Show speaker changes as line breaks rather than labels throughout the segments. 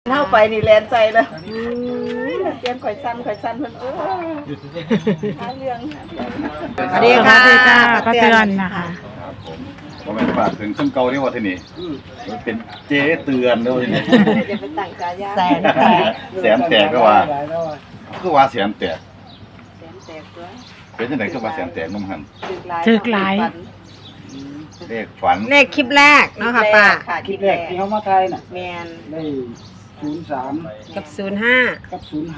เข้าไปนี่แลนใจแล้วเตรียมข่อยสั้นเพิ่นหาเรื่องสวัสดีค่ะ
ป้าเตือนนะคะ
ก็ไม่ฝากถึงช่างเก่าที่ว่าที่นี่มันเป็นเจ๊เตือนด้วยที่นี่
จะไปตั้งฉายา
แสนแตก
แสนแตกก็ว่าแสนแตก
แสนแตกตัว
เป็นจังได๋คือว่าแสนแตกนุ่มหัน
ถึกหลาย
เลขฝัน
เลขคลิปแรกเนาะค่ะป้า
ค่ะ
คลิปแรกที่เขามาไทยน่ะ
แมน
ได้03
กับ
กับ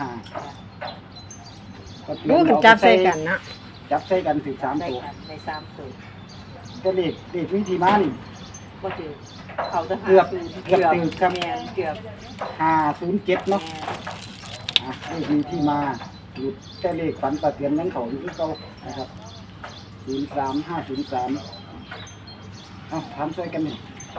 05
รู้กันจับใส่กันเนาะ
จับใส่กันถึง3
ได้
ตัว
ค่ะใน3ตัว
ก็เลขวิธีมานี่
บ่ถือเขาจะ
เกือบถึงครับ
แมนเกือบ
507เนาะเลขวิธีมาหลุดแต่เลขฝันปะเตียนนั้นเขาอยู่ที่เก่านะครับ03503เอาถามช่วยกันนี่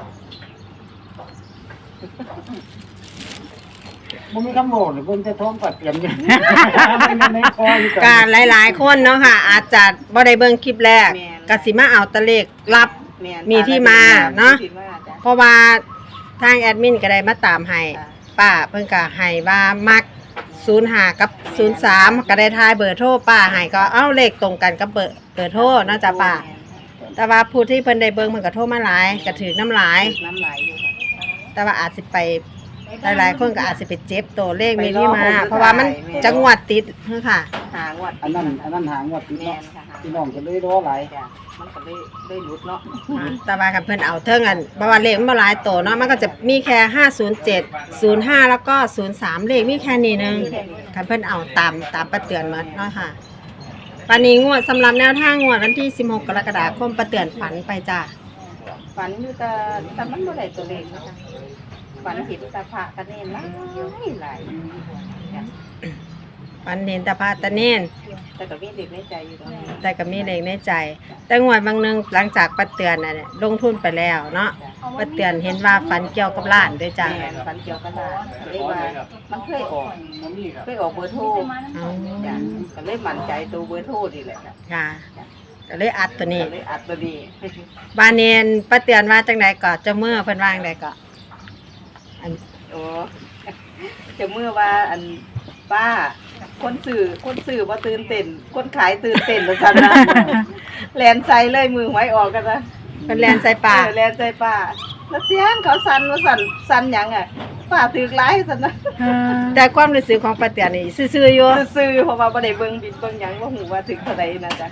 บ่มีคำบอกเลยเพิ่นจะท้องปัดเตรียมอยู่ ในคออยู่
การหลายๆคนเนาะค่ะ อาจจะบ่ได้เบิ่งคลิปแรกก็สิมาเอาแตะเลขรับ
แมน
มีที่มาเนาะ
มีที่มาจ้ะ
เพราะว่าทางแอดมินก็ได้มาตามให้ป้าเพิ่นก็ให้ว่ามัก05กับ03ก็ได้ทายเบอร์โทรป้าให้ก็เอ้าเลขตรงกันกับเบอร์โทรเนาะจ้ะป้าแต่ว่าผู้ที่เพิ่นได้เบิ่งเพิ่นก็โทรมาหลายก็ถือน้ำหลาย
น้ำลายอยู่ค่ะ
แต่ว่าอาจสิไปหลายๆคนก็อาจสิไปเจ็บตัวเลขมีที่มา เพราะว่ามันจังหวัดติดเนาะค่ะ
หางวด
อันนั้นหางวดพี่
แม
น้อง
นค่ะหา
พี่น้องก็เลยรอหลาย
จ้ะมันก็ได้หลุดเนาะ
แต่ว่าคันเพิ่นเอาเทิงกันเพราะว่าเลขมันบ่หลายตัวเนาะมันก็จะมีแค่507 05แล้วก็03เลขมีแค่นี้นึงคันเพิ่นเอาตามประเตือนหมดเนาะค่ะปานนี้งวดสำหรับแนวทางงวดวันที่16กรกฎาคมประเตือนฝันไปจ้ะ
ฝันอยู่แต่มันบ่ได้ตัวเลขนะคะฝันเห็นตาพระกันเน่นหลายจ้ะ
ฝันเห็นแตาพาตะเนน
แต่ก็มีเด็กในใจอยู่ตรงนี้
แต่ก็มีเลขในใจ แต่งวดบางนึงหลังจากประเตือนน่ะเนี่ยลงทุนไปแล้วเนาะประเตือนเห็นว่าฝันเกี่ยวกับร้านด้วยจ้ะ
แม่นฝันเกี่ยวกันว่าเรียกว่ามันเคยออกเบอร์โทร
อ๋อ
จ้ะก็เลยมั่นใจตัวเบอร์โทรนี่แหละค่ะ
ค่ะก็เลยอัดตัวนี้
ก็เลยอัดตัวนี้
บานเนนประเตือนว่าจังใดก็เจะเมื่อเพิ่นว่าจังใดก็อัน
โอ้จะเมื่อว่าอันป้าคนสื่อว่าตื่นเต้นคนขายตื่นเต้นแล้วกันนะแลนใจเลยมือหวยออกกันนะ
เพิ่นแลนใส่ปาก
แลนใจป้าแล้วเตียงเขาสั่นว่าสั่นหยังอ่ะป้าถือหลายสั่นนะ
แต่ความรู้สึกของประเตือนนี่ซื่อๆอยู่
ซื่อๆเพราะว่าบ่ได้เบิ่งบินเบิ่งหยังว่าหูว่าถึงเท่าใดนะจ๊ะ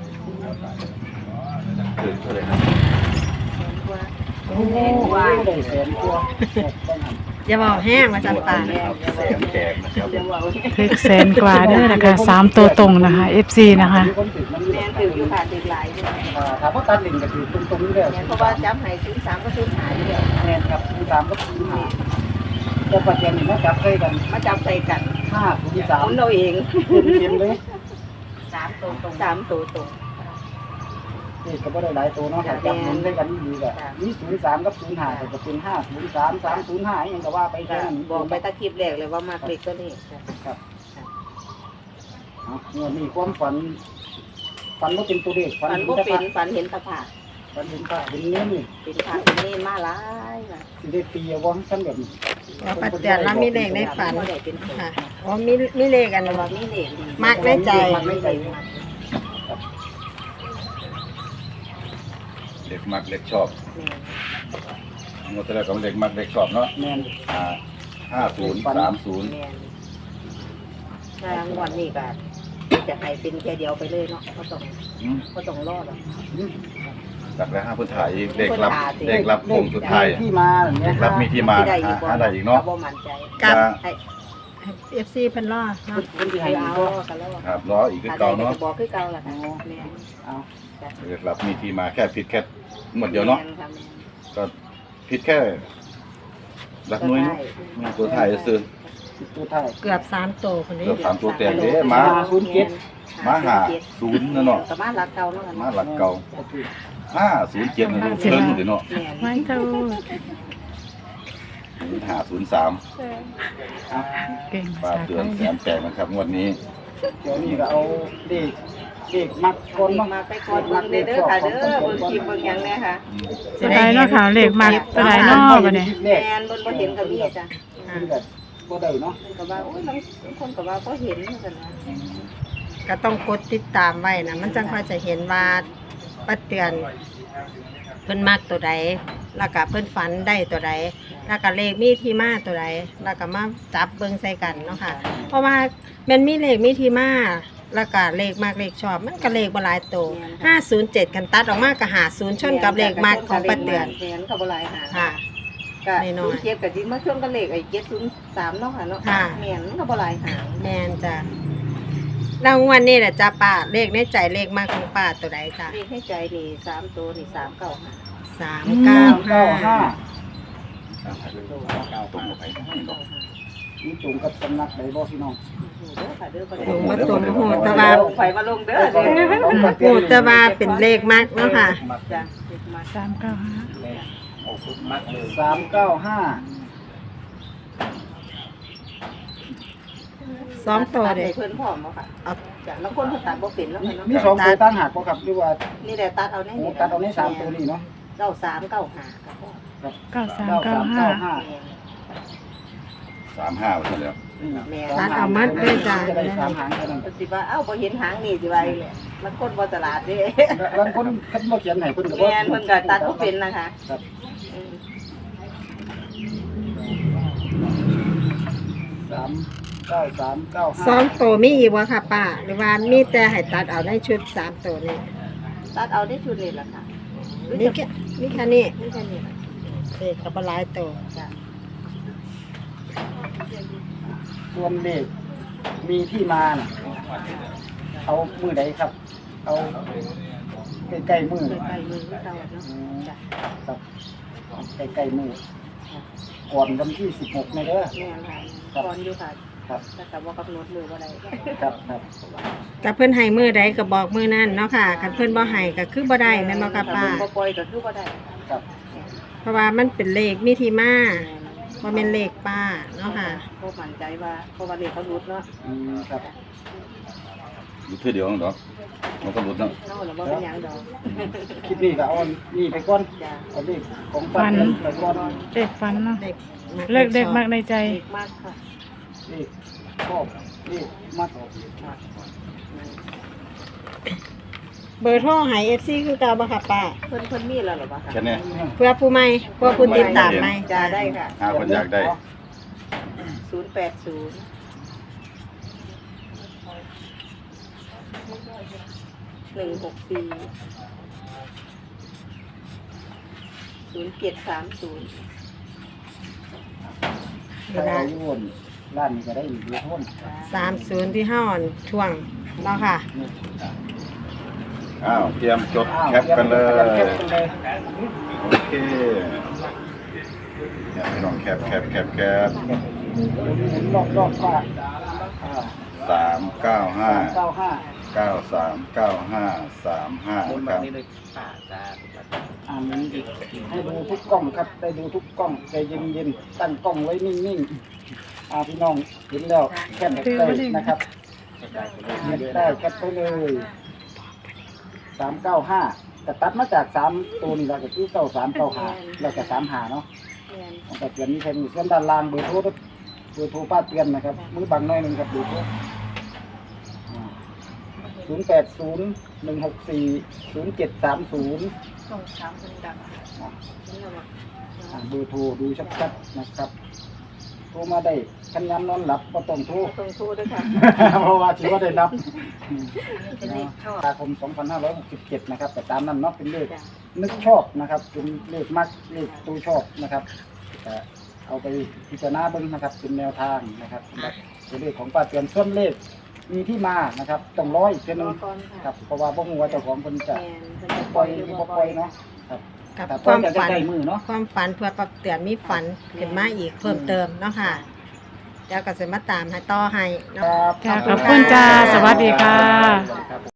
คือเท่าไหร่ครับ
โอ้
ได้แสนกว่า
อย่าบอกแห้งว่าจันปา
ครับแสนแตกนะครับ
เดี๋ยวว่า
ถึกแสนกว่าเด้อนะคะ3ตัวตรงนะคะ FC นะคะ
มีคนติดมันอยู่
แม่นถืออยู่ค่ะถือหลายอยู่
ถามว่าตัดลิงก็คือตรงนี้แล้ว
แม่นเพราะว่าจำให้03ก็05อยู่แล้ว
แม่นครับ03กับ05แต่ปัจจุบันนี่มาจับใส่กัน
มาจับใส่กัน
503
คนเราเอง
เต็มเลย
3ตัวตรง3ตัวตรง
นี่ก็บ่ได้หลายตัวเนาะจับหมุนใส่กันดีก็มี03กับ05ก็จะเป็น503 305อีหยังก็ว่าไปแค่นั้น
บอกไปตะคลิปแรกเลยว่ามาคลิกตัวนี้
ครับเนี่ยมีความฝันบ่เป็นตัวเลข
ฝันบ่เป็นฝันเห็นตะผา
ฝันเห็นพระเห็นเนี้ยนี่
เป็นพระเป็นเนรมาหลายว่ะ
สิได้ตีเอาว่าซั่นแบบนี้
ว่าประเตือนแล้วมีเลขในฝัน
บ่ได้เป็น
ค่ะอ๋อมีเลขกัน
แต่ว่ามีเลขดี
มักในใจ
ในใจ
เด็กมักเด็กชอบ
แม่น
งวดที่แล้วก็เด็กมักเด็กชอบเนาะ
แม่น
5030
แม่นถ้างวดนี้ก็จะให้เป็นแค่เดียวไปเลยเนาะบ่ต้องรอหรอก
จากแล้ว5เพิ่นถ่ายอีกเด็กรับวงสุดท้าย
ที่มาอย่างเงี้
เด็
ย
กรับมีที่มาหาได้อีกเนาะ
บ่มั่นใจ
กับ
ให้
FC เพิ่นรอเนาะ
คนที่
ให้
ให้
เอา
ก็
ก็รอ
ครับรออีกคือเก่าเนาะ
จะบอกคือเก่าล่ะค่ะแม่น
เอา
เด็กรับมีที่มาแค่ผิดแค่หมดเดียวเนาะ
แม่ค่ะแม่น
ก็ผิดแค่หลักหน่วยเนาะมีตัวถ่ายซื้อ
ตัวท้าย
เกือบ3ตัวคนนี้
เกือบ3ตัวแตกเด้มา มาหา0นั่นเนาะ
ก็มาหลักเก่าเนาะ
มาหลักเก่า507นี่เพิ่นอยู่เนาะ
แม่น
ไม่ถูก
503
เก่ง
ป้า
ภาษา
เตื
ไท
อน
ย
แสนแตกนะครับงวดนี้
เดี๋ยวนี้ก็เอาเลขเด็กมักคนเนาะ
มาไปก่อนเบิ่งเด้อค่ะเด้อเบิ่งคลิปเบิ่งหยังเนี่ยค่ะ
ตัวใดเนาะค่ะเลขมักตัวใดเนาะบัดนี้
แม่นบ่เห็นก็มีจ้ะ
มันก็บ่ได้เนาะ
เพิ่นก็ว่าโอ้ยบางคนก็ว่าบ่เห็นเหมือนกันนะ
ก็ต้องกดติดตามไว้นะมันจังค่อยจะเห็นว่าป้าเตือนเพิ่นมักตัวใดแล้วก็เพิ่นฝันได้ตัวใดแล้วก็เลขมีที่มาตัวใดแล้วก็มาจับเบิ่งใส่กันเนาะค่ะ เพราะว่ามันมีเลขมีที่มาแล้วก็เลขมากเลขชอบมันก็เลขบ่หลายตัว507กันตัดออกมาก็50ชนกับเลขมากของป้าเตือน
แม่นก็บ่หลายหา
ค่ะ
ก็
น้อยๆ
07ก็สิมาชนกับเลขไอ้703เนาะค่ะเนาะ
ค่ะ
แม่นก็บ่หลายหา
แมนจ้ะรางวัลนี่แหละจ้าป้าเลขในใจเลขมากของป้าตัวใดจ้ะ
เลขให้ใจนี่3ตัวนี่395
395
ตรงกับไป
นี่ตรงกับสำนักใดบ่พี่น้อง
เด้อค่ะเด้อบ่
ถู
ได้
กมาตรงโหแตะวา
ไฟมาลงเด้อเด้อ
โหแตะวาเป็นเลขมากเนาะค่ะ
จ้ะเลขมา
สองตัว
ตัด
เด็
ให้
ก
เพิ่นพร้อมบ่ค่ะ
เอา
จ้ะแล้วคนเพิ่นตัดบ่เป็นแล้วค่ะเนาะ
มีสองตัวตั้งหักบ่ครับหรือว่า
นี่แหละตัดเอาใน
โอ้
นี่
ตัดเอาใน3ตัวนี้เนาะ
9395ครับพ่อ
35ว่าซั่นแล้ว
แม่
ตัดเอามัดด้วยจ้ะ
จะได้3หางเท่านั้น
เพิ่นสิว่าเอ้าบ่เห็นหางนี่สิว่าอีแหละมันคนบ่ตลาดเด้
บางคนเพิ่นบ่เขียนให้เพิ่นก็บ่
แม่นเพิ่นก็ตัดบ่เป็นนะคะ
ครับ
อืม
สองตัวมีอีกวะค่ะป้าหรือว่ามีแต่ให้ตัดเอาในชุด3ตัวนี่
ตัดเอาได้ชุดนี้ล่ะค่ะ
มีแค่มีแค่นี้
นี่แค่นี้ล่ะ
เลขก็บ่หลายตัว
จ้ะ
ส่วนเลขมีที่มาน่ะเอามือใดครับ เอาใกล้ๆมือ
ใกล้ๆมือเก่าเนาะจ้ะ
ครับใกล้ๆมือก่อนวันที่16นี่เด้อ
แม่นค่ะก่อนอยู่ค่ะ
ครับ
แต่ก็บ่กำหนดมือบ่ได้
ครับครับ
ก็เพิ่นให้มือใดก็บอกมือนั้นเนาะค่ะคันเพิ่นบ่ให้ก็คือบ่ได้แม่นบ่ค่ะป้า
บ่ปล่อยก็คือบ่ได้
ครับ
เพราะว่ามันเป็นเลขมีที่มา
แม่น
บ่แม่นเลขป้าเนาะค่ะ
บ่มั่นใจว่าเพราะว่าเลขเขาหลุดเนาะ
ครับ
อยู่เทื่อเดียวนั่นดอกมันก็หลุดเนาะ
เฮาน่ะบ่เป็นหยังดอก
คลิปนี้ก็เอานี่ไปก่อน
จ้ะ
เอาเลขของป้าเตือนไปก่อน
เลขฝันเนาะ
เลข
เลขเด็กมากในใจ
เลขมากค่ะ
เลขชอบเลขมัก
เบอร์โทรให้ FC คือเก่าบ่ค่ะป้า
เพิ่นมีแล้วเหรอบ่คะ
แค่นี้
เพื่อผู้ใหม่เพื่อผู้ติดตามใหม่
จ้าได้ค่ะ
หาคนอยากได้
080 164
ใครเอาอยู่บนร้านนี้ก็ได้อยู่ด้วยทุน
30ที่ห้าอ่อนช่วงเนาะค่ะ
อ้าวเตรียมจดแคปกันเลย
แคปกันเลย
โอเคเนี่ยพี่น้องแคป
หมุนรอบๆป้า
395
959
939535นะครับ
หมุนอีกให้ดูทุกกล้องครับได้ดูทุกกล้องใจเย็นๆตั้งกล้องไว้นิ่งๆพี่น้องเห็นแล้วแคปได้นะครับแคปได้แคปไปเลย395แต่ตัดมาจาก3ตัวนี่เราก็คือ9395แล้วก็35เนาะ
แม่น
ของป้าเตือนมีแค่นี้ส่วนด้านล่างเบอร์โทรป้าเตือนนะครับมือบังหน่อยหนึงครับเบอร์โทร0801640730
ต้องถามเพิ่นดังเพิ่นว่า
เบอร์โทรดูชัดๆนะครับโทรมาได้คันยามนอนหลับก็ต้องโทร
ต้องโทรด้วยค่ะ
เพราะว่าถือว่าได้นับ
เป็นเลขชอบ
ตุลาคม 2567 นะครับแต่ตามนั้นเนาะเป็นเลข
จ้ะ
นึกชอบนะครับเป็นเลขมักเลขตัวชอบนะครับแต่เอาไปพิจารณาเบิ่งนะครับเป็นแนวทางนะครับสำหรับตัวเลขของป้าเตือนส่วนเลขมีที่มานะครับต้องร้อยอีกทีหนึง
ก่อน
ค
ค่ะ
รับเพราะว่าบ่ฮู้ว่าเจ้าของเพิ่นจะ
แม่นเพิ่นจะ
ป
ป
ล่
ล่
อ
อย ย
ห
ห
รื
รือ อ
บ่
บ่
ป
ป
ล่
ล่
อ
อย ย
เนาะครับ
กับ
แต่
ความ
จะ
ฝัน
ใกล้มือเนาะ
ความฝันเพื่อปรับเตือนมีฝันขึ้นมาอีกเพิ่มเติมเนาะค่ะเดี๋ยวก็จะมาตามให้ต่อให้เนาะ
ครับ
ค่ะขอบคุณจ้า สวัสดีค่ะ